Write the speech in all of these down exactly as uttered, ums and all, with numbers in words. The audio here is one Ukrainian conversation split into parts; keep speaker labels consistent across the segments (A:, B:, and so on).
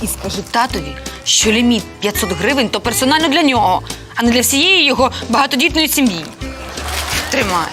A: І скажи татові, що ліміт п'ятсот гривень – то персонально для нього, а не для всієї його багатодітної сім'ї. Тримай.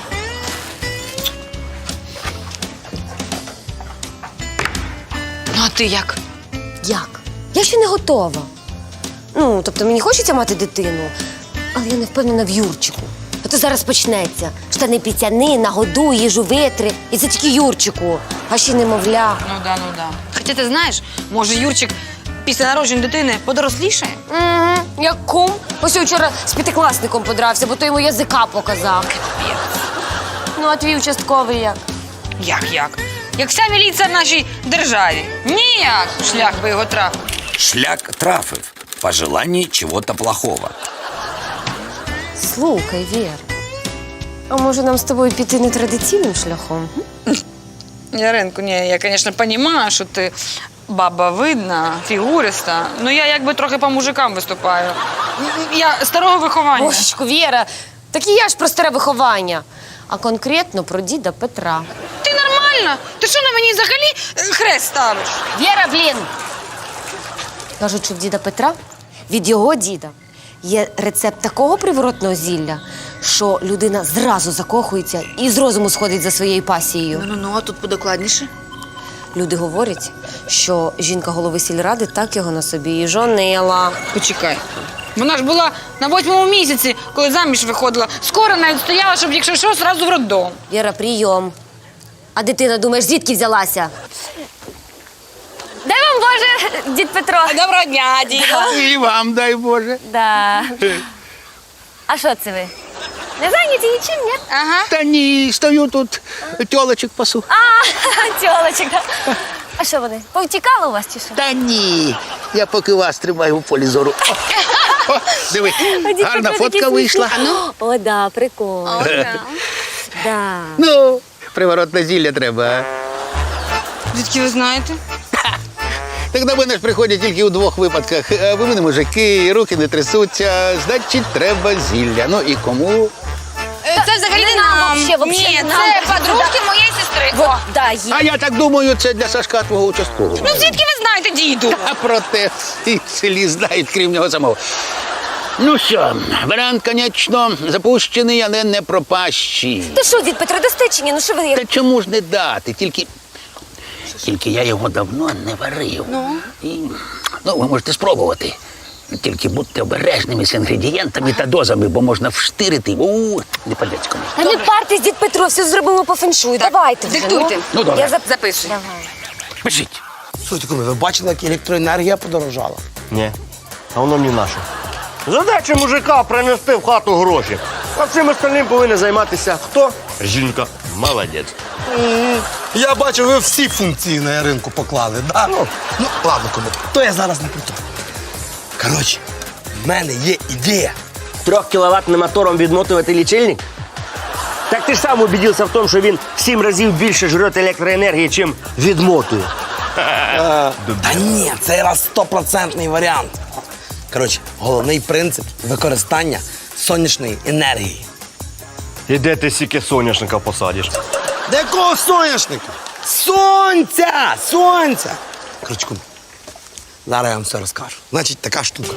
A: Ну, а ти як?
B: Як? Я ще не готова. Ну, тобто мені хочеться мати дитину, але я не впевнена в Юрчику. А то зараз почнеться. Штани піцяни, нагодуй, їжу витри. І це тільки Юрчику, а ще немовля.
A: Ну да, ну да. Хоча ти знаєш, може Юрчик після народження дитини подорослішає?
B: Угу, як кум. Ось я вчора з п'ятикласником подрався, бо той йому язика показав. Ну, а твій участковий як?
A: Як-як? Як вся міліція в нашій державі. Ніяк шлях би його трафив.
C: Шлях трафив. По желанию чего-то плохого.
B: Слухай, Вір, а може нам з тобою піти нетрадиційним шляхом?
A: Яринку, ні, я, звісно, розумію, що ти баба видна, фігуриста, але я якби трохи по мужикам виступаю. Я старого виховання.
B: Божечко, Віра, так і я ж про старе виховання, а конкретно про діда Петра.
A: Ти нормальна? Ти що на мені взагалі е, хрест ставиш?
B: Віра, блін! Кажуть, що в діда Петра від його діда є рецепт такого приворотного зілля, що людина зразу закохується і з розуму сходить за своєю пасією.
A: Ну-ну, а тут подокладніше.
B: Люди говорять, що жінка голови сільради так його на собі і жонила.
A: Почекай. Вона ж була на восьмому місяці, коли заміж виходила. Скоро навіть стояла, щоб, якщо що, зразу в роддом.
B: Віра, прийом. А дитина, думаєш, звідки взялася? Дай вам Боже, дід Петро.
A: Доброго дня, діда.
D: І вам, дай Боже.
B: Да. А що це ви? Не зайняті нічим, ні?
A: Ага.
D: Та ні, стою тут, тьолочок пасу.
B: А, тьолочок. А що вони? Повтікали у вас чи що?
D: Та ні, я поки вас тримаю у полі зору. О, о, диви, гарна фотка вийшла.
B: О, да, прикол.
A: О, да.
B: Да.
D: Ну, приворотне зілля треба.
A: Звідки ви знаєте?
D: Так до мене ж приходять тільки у двох випадках. А ви мене мужики, руки не трясуться, значить, треба зілля. Ну і кому?
A: Це взагалі не
B: нам,
A: нам.
B: вообще, вообще
A: Ні,
B: не нам.
A: це подружки моєї сестри.
B: Вот, да, є.
D: А я так думаю, це для Сашка твого участкового.
A: Ну, звідки ви знаєте, діду?
D: А проте і в селі знають, крім нього самого. Ну що, варіант, звісно, запущений, але не пропащий.
B: Ти що, дід Петро, дасте чи ні? Ну що ви?
D: Та чому ж не дати? Тільки, тільки я його давно не варив. Ну? І, ну, ви можете спробувати. Тільки будьте обережними з інгредієнтами та дозами, бо можна вштирити у не по-людському.
B: Та не партесь, дід Петро, все зробимо по феншую. Давайте вже.
A: диктуйте.
B: Ну,
D: Ну, добре.
B: Я зап...
A: Записуй.
B: Давай.
D: Пишіть.
E: Слухайте, куми, ви бачили, як електроенергія подорожала?
F: Ні, а воно мені наше. Задача мужика принести в хату гроші. А цим остальним повинен займатися хто? Жінка. Молодець.
E: Я бачу, ви всі функції на ринку поклали, да? Ну, ну ладно, куми, то я зараз не про то. Коротше, в мене є ідея.
F: Трьохкіловатним мотором відмотувати лічильник? Так ти ж сам убедився в тому, що він в сім разів більше жре електроенергії, чим відмотує.
E: Та ні, це раз стопроцентний варіант. Коротше, головний принцип використання сонячної енергії.
F: І де ти стільки соняшника посадиш?
E: Де якого соняшника? Сонця! Сонця! Коротше, куми, зараз я вам все розкажу. Значить, така штука.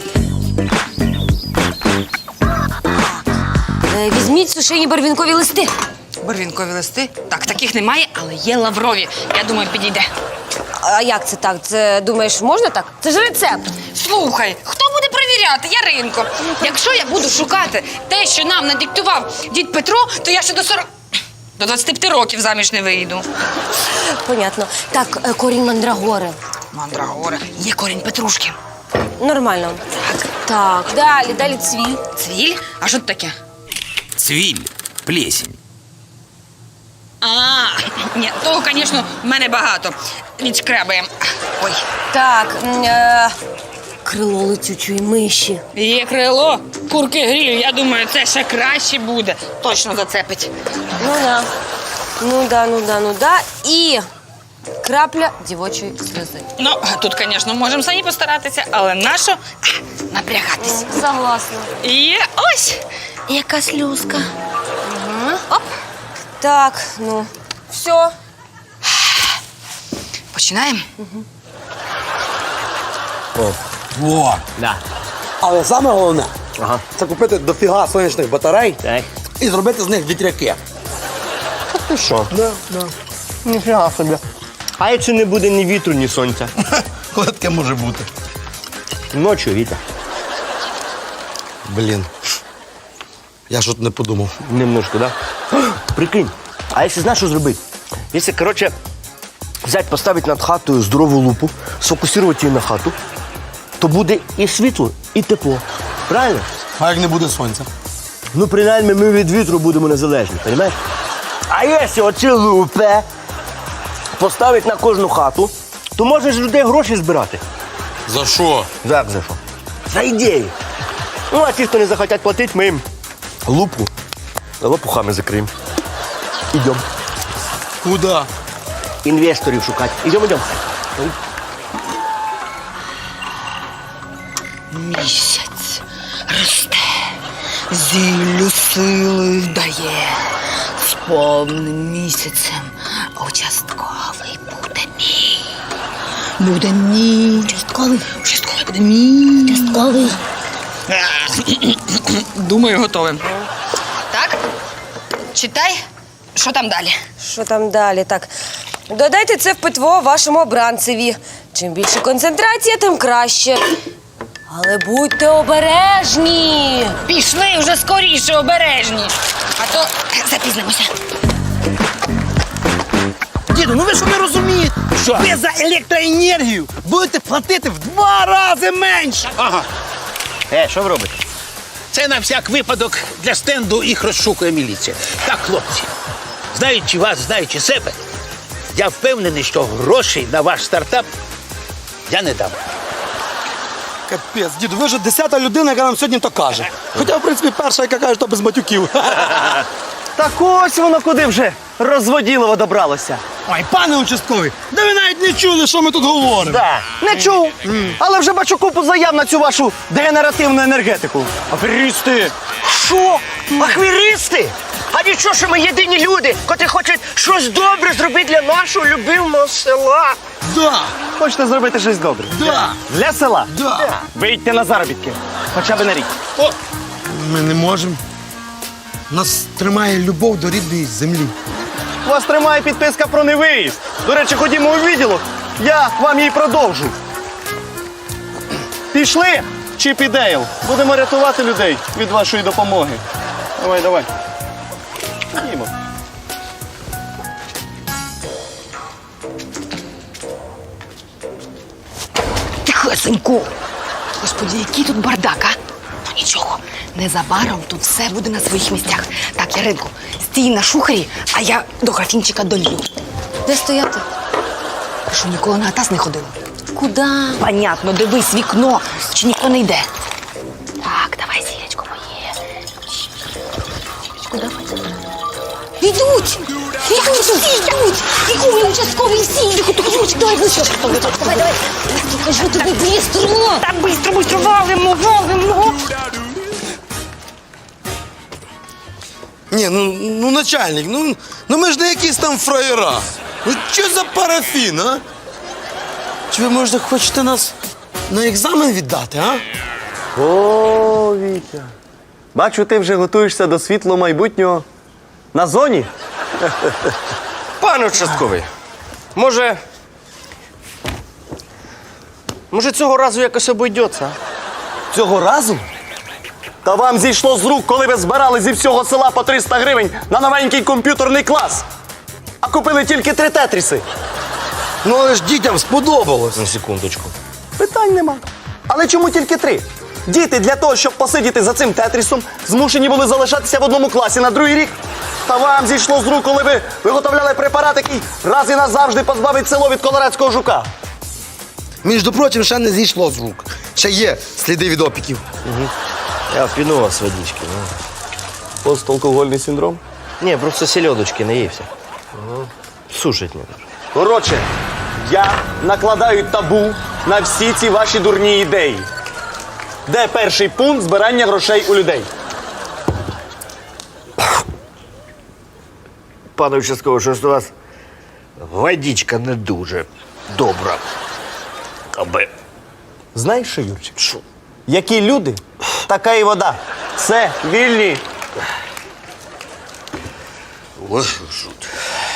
B: Е, Візьміть сушені барвінкові листи.
A: Барвінкові листи? Так, таких немає, але є лаврові. Я думаю, підійде.
B: А як це так? Це, думаєш, можна так? Це ж рецепт.
A: Слухай, хто буде перевіряти? Яринко. Якщо я буду шукати те, що нам надиктував дід Петро, то я ще до сорок... До двадцяти п'яти років заміж не вийду.
B: Понятно. Так, е, корінь мандрагори.
A: Мандрагора. Є корінь петрушки.
B: Нормально. Так. Так, далі, далі цвіль.
A: Цвіль? А що це таке?
C: Цвиль, плесень.
A: А, ні, того, звісно, в мене багато. Відшкрябаємо. Ой,
B: Так, м, е, крило летючої миші.
A: є крило, курки гріль. Я думаю, це ще краще буде. Точно зацепить.
B: Ну да. Ну да, ну да, ну да. І крапля дівочої сльози.
A: Ну, тут, звісно, можемо самі постаратися, але нащо а, напрягатись?
B: Согласна.
A: І ось яка слюзка.
B: Оп. Так, ну, все.
A: Починаємо?
E: Во.
F: Да.
E: Але саме головне
F: Ага.
E: це купити дофіга сонячних батарей
F: Так.
E: і зробити з них вітряки.
F: Ти що?
E: Да, да.
F: Ніфіга собі. А якщо не буде ні вітру, ні сонця?
E: Коли таке може бути?
F: Ночі вітер.
E: Блін. Я ж от не подумав.
F: Немножко, да? Прикинь, а якщо знаєш, що зробити? Якщо, коротше, взяти, поставити над хатою здорову лупу, сфокусувати її на хату, то буде і світло, і тепло. Правильно?
E: А як не буде сонця?
F: Ну, принаймні, ми від вітру будемо незалежні, розумієш? А якщо оці лупи поставити на кожну хату, то можна ж людей гроші збирати.
E: За що?
F: Як за що? За ідею. Ну, а ті, хто не захотять платити, ми їм лупу лопухами закриємо. Ідемо.
E: Куди?
F: Інвесторів шукати. Ідемо, ідемо.
A: Місяць росте, зіллю сили дає. З повним місяцем участковий буде мій. Буде мій. Участковий? Участковий буде мій. Участковий. Думаю, готовий. Так, читай, що там далі.
B: Що там далі? Так. Додайте це в питво вашому обранцеві. Чим більше концентрація, тим краще. Але будьте обережні.
A: Пішли вже скоріше, обережні. А то запізнимося.
E: Діду, ну ви що не розумієте? Що? Ви за електроенергію будете платити в два рази менше.
D: Ага.
F: Е, що ви робите?
D: Це на всяк випадок для стенду їх розшукує міліція. Так, хлопці, знаючи вас, знаючи себе, я впевнений, що грошей на ваш стартап я не дам.
E: Капець, діду, ви вже десята людина, яка нам сьогодні то каже. Хоча, в принципі, перша, яка каже, то без матюків.
F: Так ось воно куди вже розводілово добралося.
E: Ой, пане участковий, да ви навіть не чули, що ми тут говоримо.
F: Да. Не чув, але вже бачу купу заяв на цю вашу дегенеративну енергетику. Аферісти! Що? Ахвіристи? А нічого, що ми єдині люди, котрі хочуть щось добре зробити для нашого любимого села.
E: Да,
F: Хочете зробити щось добре?
E: да,
F: Для села?
E: да.
F: Вийдьте на заробітки. Хоча б на рік.
D: О,
E: Ми не можемо. Нас тримає любов до рідної землі.
F: Вас тримає підписка про невиїзд. До речі, ходімо у відділок. Я вам її продовжу. Пішли, Чіп і Дейл. Будемо рятувати людей від вашої допомоги. Давай, давай. Ходімо.
A: Тихесенько. Господи, який тут бардак, а? Ну нічого, незабаром тут все буде на своїх місцях. Так, Яринко, стій на шухері, а я до графінчика долью.
B: Де стояти?
A: Ти що, ніколи на атас не ходила?
B: Куди?
A: Понятно, дивись вікно, чи ніхто не йде. Так, давай, зірочко моє.
B: Йдуть! Йдуть! Всі йдуть! Ігуй, участковий, всі йдуть! Ключ, давай, ближче! Давай, давай! Кажу тобі, бістро!
A: Так, бистро, бистро, валимо, валимо.
E: Ні, ну, ну начальник, ну, ну ми ж не якісь там фраєра. Ну що за парафін, а? Чи ви, може, хочете нас на екзамен віддати, а?
F: О, Вітя. Бачу, ти вже готуєшся до світлого майбутнього на зоні. Пане участковий, може. Може, цього разу якось обійдеться? Цього разу? Та вам зійшло з рук, коли ви збирали зі всього села по триста гривень на новенький комп'ютерний клас. А купили тільки три тетріси.
E: Ну, але ж дітям сподобалось.
F: На секундочку. Питань нема. Але чому тільки три? Діти для того, щоб посидіти за цим тетрісом, змушені були залишатися в одному класі на другий рік. Та вам зійшло з рук, коли ви виготовляли препарат, який раз і назавжди позбавить село від колорадського жука.
E: Між прочим, ще не зійшло з рук. Ще є сліди від опіків.
F: Я впіну вас водички. Посталкогольний синдром? Ні, просто сельодочки наївся. Сушить мене. Коротше, я накладаю табу на всі ці ваші дурні ідеї. Де перший пункт збирання грошей у людей?
G: Пане участковий, щось у вас водичка не дуже добра. Аби
F: Знаєш що, Юрчик? Що? Які люди, така і вода. Все, вільні.
E: Ой, жуть.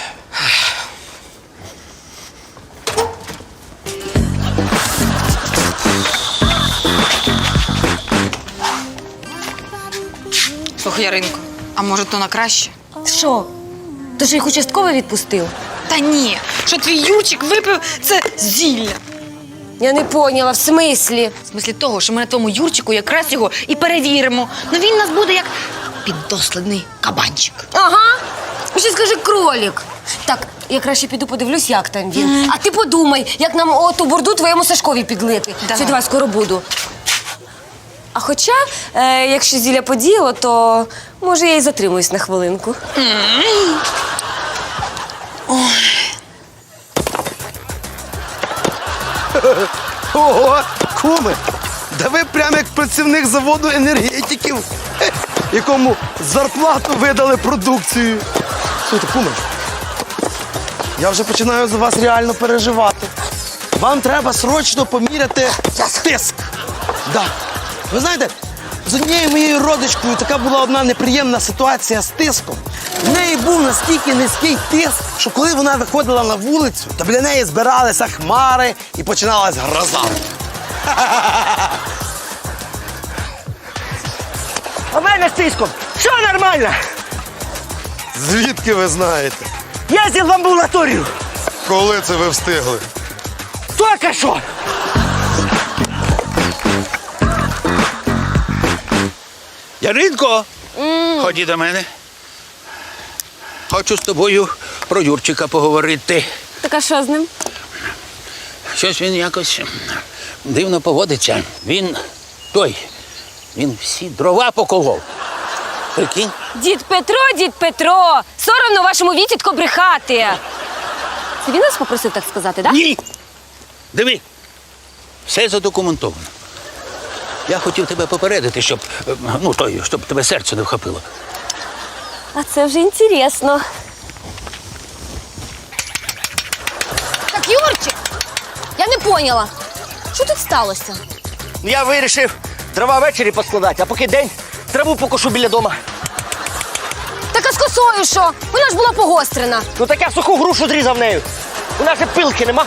A: Слухай, Яринко, а може то на краще?
B: Що? Ти ж їх участково відпустив?
A: Та ні, що твій Юрчик випив це зілля.
B: Я не поняла, в смислі?
A: В смислі того, що ми на тому Юрчику якраз його і перевіримо. Ну він у нас буде як піддослідний кабанчик.
B: Ага. Ще скажи кролік. Так, я краще піду подивлюсь, як там він. А ти подумай, як нам оту бурду твоєму Сашкові підлити.
A: Давай.
B: Все, давай, скоро буду. А хоча, е, якщо зілля подіяло, то може я і затримуюсь на хвилинку.
E: Ого, куме! Да ви прямо як працівник заводу енергетиків, хе, якому зарплату видали продукцію. Слухайте, куме, я вже починаю за вас реально переживати. Вам треба срочно поміряти тиск. Да. Ви знаєте, з однією моєю родичкою така була одна неприємна ситуація з тиском. В неї був настільки низький тиск, що коли вона виходила на вулицю, то біля неї збиралися хмари і починалась гроза.
F: А в мене з тиском. Що нормально?
E: Звідки ви знаєте?
F: Їздив в амбулаторію.
E: Коли це ви встигли?
F: Тільки що.
D: Яринко, ході до мене. Хочу з тобою про Юрчика поговорити.
B: Так а що з ним?
D: Щось він якось дивно поводиться. Він той, він всі дрова поколов. Прикинь?
B: Дід Петро, дід Петро! Соромно вашому вітітко брехати. Це він нас попросив так сказати, так?
D: Ні! Диви, все задокументовано. Я хотів тебе попередити, щоб, е, ну, той, щоб тебе серце не вхопило.
B: А це вже інтересно. Так, Юрчик, я не поняла. Що тут сталося?
F: Я вирішив дрова ввечері поскладати, а поки день траву покошу біля дома.
B: Так а з косою що? Вона ж була погострена.
F: Ну так я суху грушу зрізав нею. У нас же пилки нема.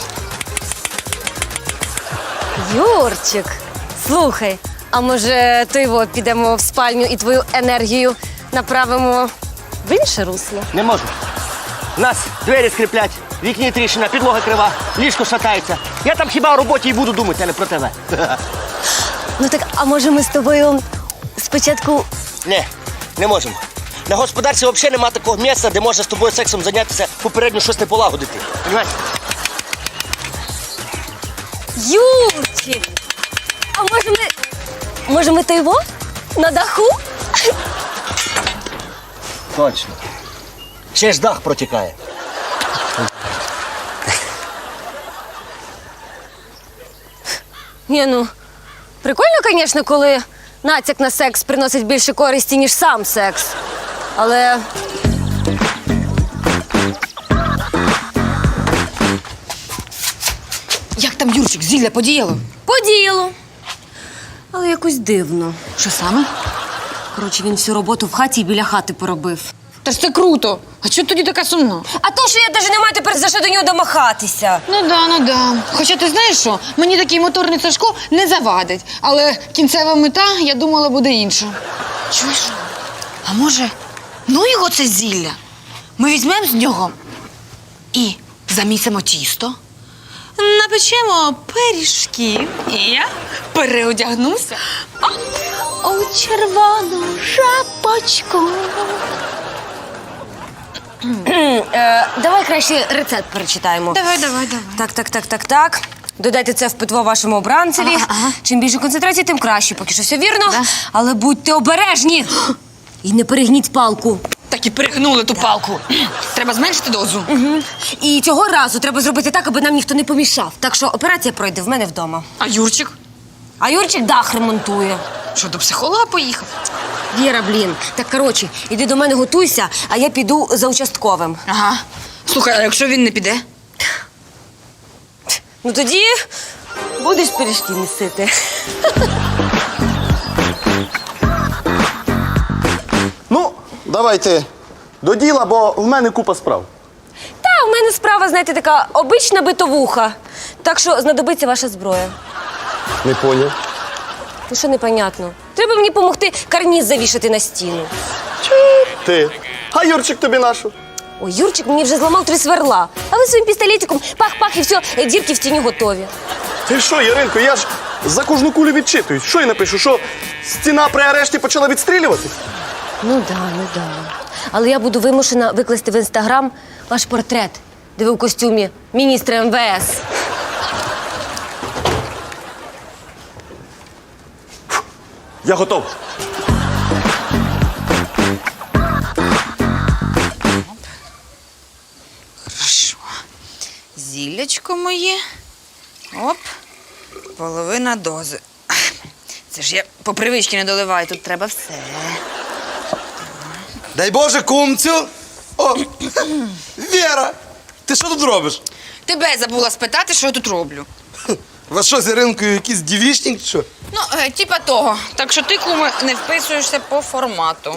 B: Юрчик, слухай, а може то його підемо в спальню і твою енергію направимо в інше русло?
F: Не можу. У нас двері скріплять, в вікні тріщина, підлога крива, ліжко шатається. Я там хіба о роботі і буду думати, а не про тебе.
B: Ну так, а може ми з тобою спочатку.
F: Ні, не можемо. На господарстві взагалі нема такого місця, де можна з тобою сексом зайнятися, попередньо щось не полагодити. Понимаєш?
B: Юрчик! А може ми. Може ми то його? На даху?
F: Точно. Ще ж дах протікає.
B: Ні, ну, прикольно, звісно, коли натяк на секс приносить більше користі, ніж сам секс. Але.
A: Як там Юрчик, зілля подіяло?
B: Подіяло. Але якось дивно.
A: Що саме?
B: Коротше, він всю роботу в хаті і біля хати поробив.
A: Та ж це круто. А чого тоді така сумна?
B: А то, що я навіть не маю тепер за що до нього домахатися.
A: Ну да, ну да. Хоча ти знаєш що, мені такий моторний Сашко не завадить. Але кінцева мета, я думала, буде інша. Чуєш? А може, ну його це зілля? Ми візьмемо з нього і замісимо тісто, напечемо пиріжків, і я переодягнуся у червону шапочку.
B: Е, давай краще рецепт перечитаємо.
A: Давай, давай, давай.
B: Так, так, так, так, так. Додайте це в питво вашому обранцеві.
A: Ага, ага.
B: Чим більше концентрації, тим краще. Поки що все вірно.
A: Да.
B: Але будьте обережні. І не перегніть палку.
A: Так і перегнули ту палку. Треба зменшити дозу.
B: Угу. І цього разу треба зробити так, аби нам ніхто не помішав. Так що операція пройде в мене вдома.
A: А Юрчик?
B: А Юрчик дах ремонтує.
A: Що, до психолога поїхав?
B: Віра, блін. Так, коротше, іди до мене готуйся, а я піду за участковим.
A: Ага. Слухай, а якщо він не піде?
B: Ну тоді Будеш пиріжки місити?
F: Ну, давайте до діла, бо в мене купа справ.
B: Та, у мене справа, знаєте, така обична битовуха. Так що знадобиться ваша зброя.
F: Не поняв.
B: Ну що непонятно? Треба мені допомогти карніз завішати на стіну.
F: Ти. А Юрчик тобі нашу.
B: Ой, Юрчик мені вже зламав три сверла. А ви своїм пістолетиком пах-пах і все, дірки в стіні готові.
F: Ти що, Яринко, я ж за кожну кулю відчитуюсь. Що я напишу, що стіна при арешті почала відстрілювати?
B: Ну да, ну да. Але я буду вимушена викласти в інстаграм ваш портрет, де ви в костюмі міністра ем ве ес.
F: Я готов.
A: Хорошо. Зіллячко моє. Оп. Половина дози. Це ж я по привичці не доливаю, тут треба все.
E: Дай Боже, кумцю. О, Віра, ти що тут робиш?
A: Тебе забула спитати, що я тут роблю.
E: У вас що, з Іринкою якийсь дівічник, чи що?
A: Ну, е, типа того. Так що ти, куме, не вписуєшся по формату.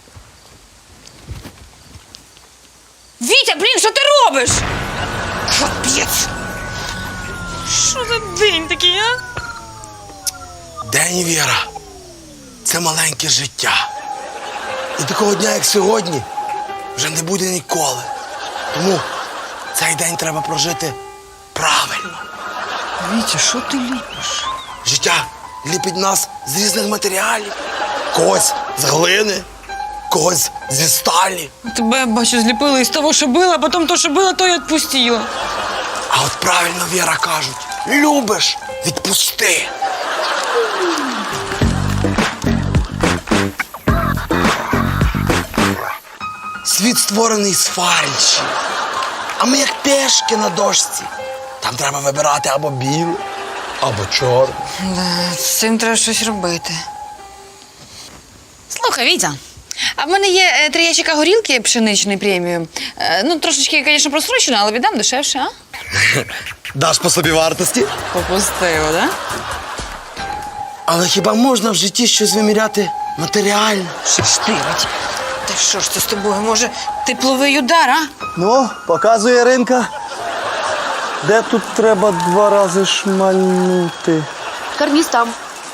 A: Вітя, блін, що ти робиш? Капець! Що за день такий, а?
E: День, Віра, це маленьке життя. І такого дня, як сьогодні, вже не буде ніколи. Тому цей день треба прожити правильно.
A: Вітя, що ти ліпиш?
E: Життя ліпить нас з різних матеріалів. Когось з глини, когось зі сталі.
A: Тебе, бачу, зліпили із того, що було, а потім то, що було, то й відпустило.
E: А от правильно, Віра, кажуть, любиш – відпусти. Світ створений з фальші, а ми як пешки на дошці. Там треба вибирати або біле, або чорне.
A: Да, з цим треба щось робити. Слухай, Вітя, а в мене є е, три ящика горілки пшеничної преміум. Е, ну, трошечки, звісно, просрочено, але віддам дешевше, а?
E: Даш по собі вартості.
A: Попустило, да?
E: Але хіба можна в житті щось виміряти матеріально?
A: Шиштирить. Та що ж це з тобою? Може, тепловий удар, а?
F: Ну, показує Яринка. Де тут треба два рази шмальнути?
B: Карніз там.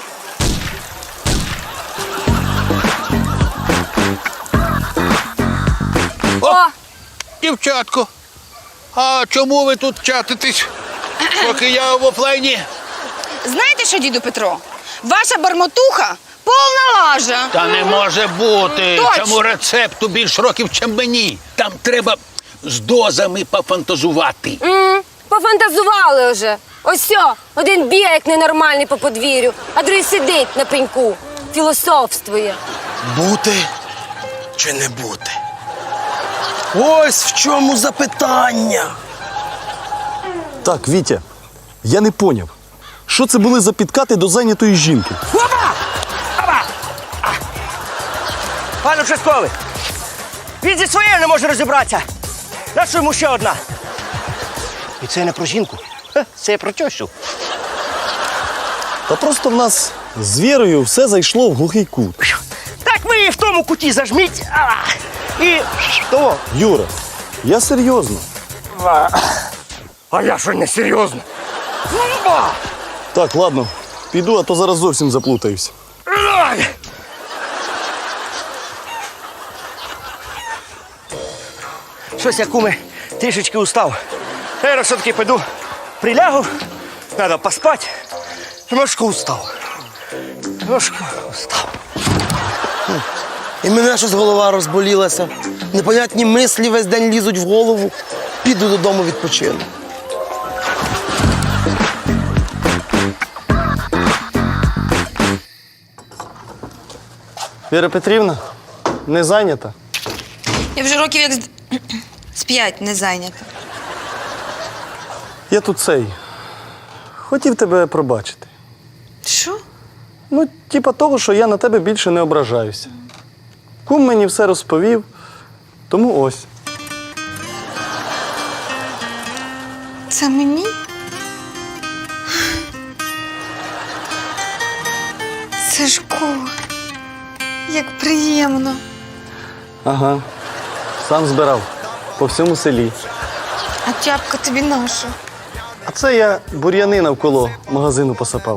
D: О! Дівчатко, а чому ви тут чатитесь, поки я в офлайні?
A: Знаєте що, діду Петро? Ваша бармотуха повна лажа.
D: Та не може бути.
A: Точно.
D: Цьому рецепту більш років, чим мені. Там треба з дозами пофантазувати.
B: М, Пофантазували вже. Ось сьо, один бігає, як ненормальний по подвір'ю, а другий сидить на пеньку, філософствує.
E: Бути чи не бути? Ось в чому запитання.
F: Так, Вітя, я не поняв. Що це були за підкати до зайнятої жінки?
G: Пане участковий, він зі своєю не може розібратися. Нащо йому ще одна? І це не про жінку, Ха, це про тещу.
F: Та просто в нас з Вірою все зайшло в глухий кут.
G: Так ви її в тому куті зажміть. А, і того.
F: Юра, я серйозно.
G: А я що не серйозно?
F: Так, ладно, піду, а то зараз зовсім заплутаюсь.
G: Щось я, куме, трішечки устав. Я все-таки піду прилягу, треба поспати. Трошки устав. Трошки устав.
E: І мене щось голова розболілася. Непонятні мислі весь день лізуть в голову. Піду додому відпочину.
F: Віра Петрівна, не зайнята?
A: Я вже років як з, з п'ять не зайнята.
F: Я тут цей. Хотів тебе пробачити.
A: Що?
F: Ну, типа того, що я на тебе більше не ображаюся. Кум мені все розповів, тому ось.
A: Це мені? Сашко, як приємно.
F: Ага. Сам збирав. По всьому селі.
A: А тяпка тобі наша.
F: А це я бур'яни навколо магазину посапав.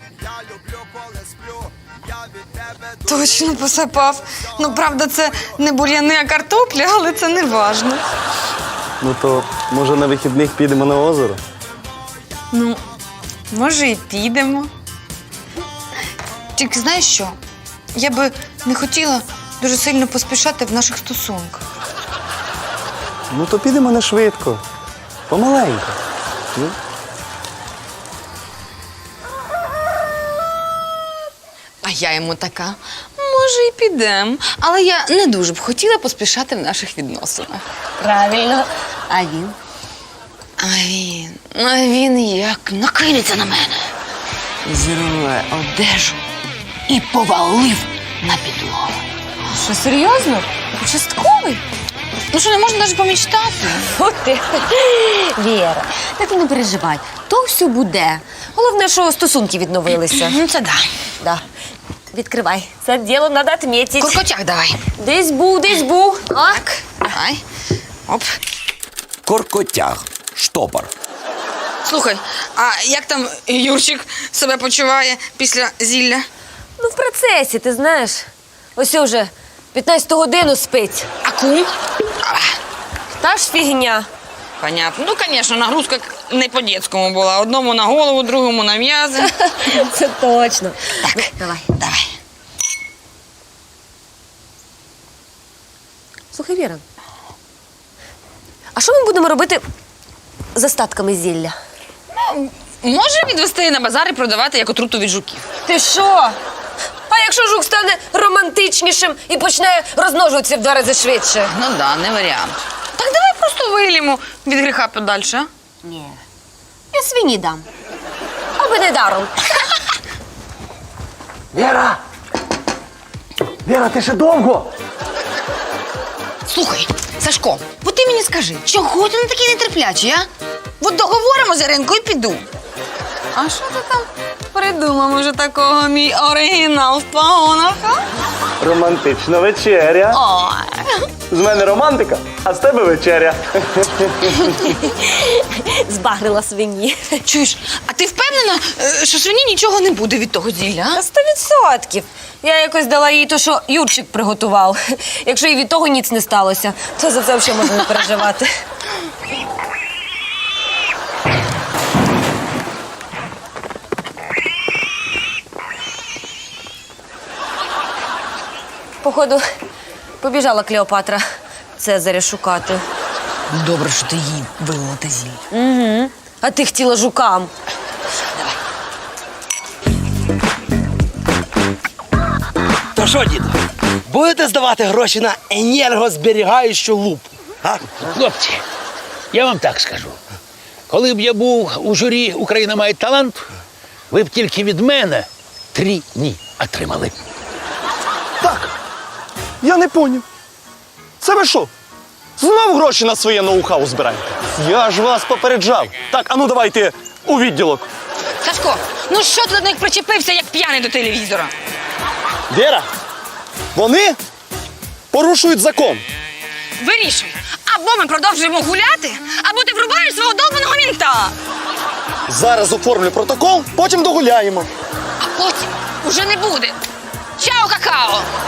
A: Точно посапав. Ну, правда, це не бур'яни, а картопля, але це не важно.
F: Ну то, може, на вихідних підемо на озеро?
A: Ну, може, і підемо. Тільки знаєш що? Я би не хотіла дуже сильно поспішати в наших стосунках.
F: Ну то підемо не швидко. Помаленько. Ну.
A: А я йому така, може, і підемо. Але я не дуже б хотіла поспішати в наших відносинах.
B: Правильно. А він?
A: А він, а він як накинеться на мене. Зірве одежу і повалив на підлогу.
B: Що, серйозно? Участковий?
A: Ну що, не можна навіть помічтати?
B: Фу ти. Віра, та ти не переживай. То все буде. Головне, що стосунки відновилися.
A: Ну, це да.
B: Да. Відкривай. Це діло треба відмітити.
A: Куркотяк давай.
B: Десь був, десь був.
A: Так, давай. Оп.
C: Коркотяг. Штопор.
A: Слухай, а як там Юрчик себе почуває після зілля?
B: Ну, в процесі, ти знаєш. Ось уже п'ятнадцяту годину спить.
A: А кум?
B: Та ж фігня.
A: Понятно. Ну, звісно, нагрузка не по-дєцькому була. Одному на голову, другому на м'язи.
B: Це точно.
A: Так,
B: Ну, давай.
A: давай.
B: Слухай, Віра. А що ми будемо робити з остатками зілля?
A: Може відвести на базар і продавати як отруту від жуків?
B: Ти що? А якщо жук стане романтичнішим і почне розмножуватися в два рази швидше?
A: Ну да, не варіант. Так давай просто вилімо від гріха подальше, а?
B: Ні. Я свині дам. Аби не даром.
G: Віра! Віра, ти ще довго?
A: Слухай, Сашко, от ти мені скажи, чого ти не такий нетерплячий, а? От договоримо за ринку і піду. А що ти там придумав уже такого, мій оригінал в погонах, а?
F: Романтична вечеря.
A: Ой.
F: З мене романтика, а з тебе вечеря.
B: Збагрила свині.
A: Чуєш, а ти впевнена, е, що свині нічого не буде від того зілля, а?
B: Та сто відсотків. Я якось дала їй то, що Юрчик приготував. Якщо і від того ніц не сталося, то за це взагалі можна не переживати. Походу, побіжала Клеопатра Цезаря шукати.
A: Добре, що ти їй вилила те зілля.
B: Угу. А ти хотіла жукам.
E: То що, діду, будете здавати гроші на енергозберігаючу лупу? А?
D: Хлопці, я вам так скажу. Коли б я був у журі «Україна має талант», ви б тільки від мене три «ні» отримали.
F: Так. Я не поняв. Це ви що? Знов гроші на своє ноу-хау збираєте? Я ж вас попереджав. Так, а ну давайте у відділок.
A: Сашко, ну що ти до них причепився, як п'яний до телевізора?
F: Віра, вони порушують закон.
A: Вирішуй, або ми продовжуємо гуляти, або ти врубаєш свого долбаного мінта.
F: Зараз оформлю протокол, потім догуляємо.
A: А потім уже не буде. Чао, какао!